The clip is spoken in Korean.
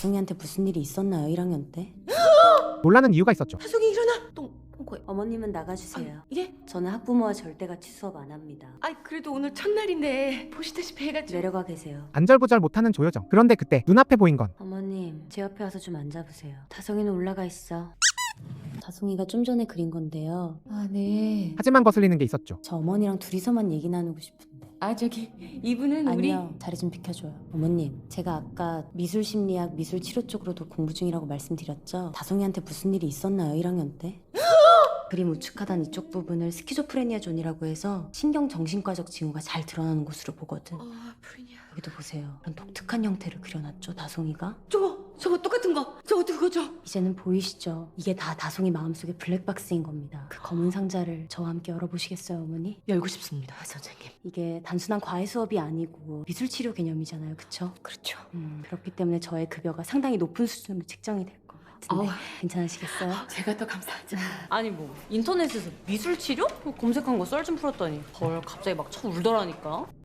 다송이한테 무슨 일이 있었나요 1학년 때? 놀라는 이유가 있었죠. 다송이 일어나! 똥꼬에. 어머님은 나가주세요. 예? 저는 학부모와 절대같이 수업 안 합니다. 아이 그래도 오늘 첫날인데 보시다시피 해가지고. 내려가 계세요. 안절부절 못하는 조여정. 그런데 그때 눈앞에 보인 건 어머님, 제 옆에 와서 좀 앉아보세요. 다송이는 올라가 있어. 다송이가 좀 전에 그린 건데요. 아 네. 하지만 거슬리는 게 있었죠. 저 어머니랑 둘이서만 얘기 나누고 싶은데. 아 저기 이분은 우리. 아니요, 자리 좀 비켜줘요. 어머님, 제가 아까 미술심리학, 미술치료 쪽으로도 공부 중이라고 말씀드렸죠? 다송이한테 무슨 일이 있었나요 1학년 때? 그림 우측하단 이쪽 부분을 스키조프레니아 존이라고 해서 신경정신과적 징후가 잘 드러나는 곳으로 보거든. 프리니아. 여기도 보세요. 이런 독특한 형태를 그려놨죠, 다송이가? 저거 똑같은 거. 저거 그거죠? 이제는 보이시죠? 이게 다 다송이 마음속의 블랙박스인 겁니다. 그 검은 상자를 저와 함께 열어보시겠어요, 어머니? 열고 싶습니다, 선생님. 이게 단순한 과외 수업이 아니고 미술치료 개념이잖아요, 그쵸? 그렇죠. 그렇기 때문에 저의 급여가 상당히 높은 수준으로 책정이 될 것 같은데 괜찮으시겠어요? 제가 더 감사하죠. 아니 뭐 인터넷에서 미술치료? 검색한 거 썰 좀 풀었더니 헐 갑자기 막 쳐울더라니까.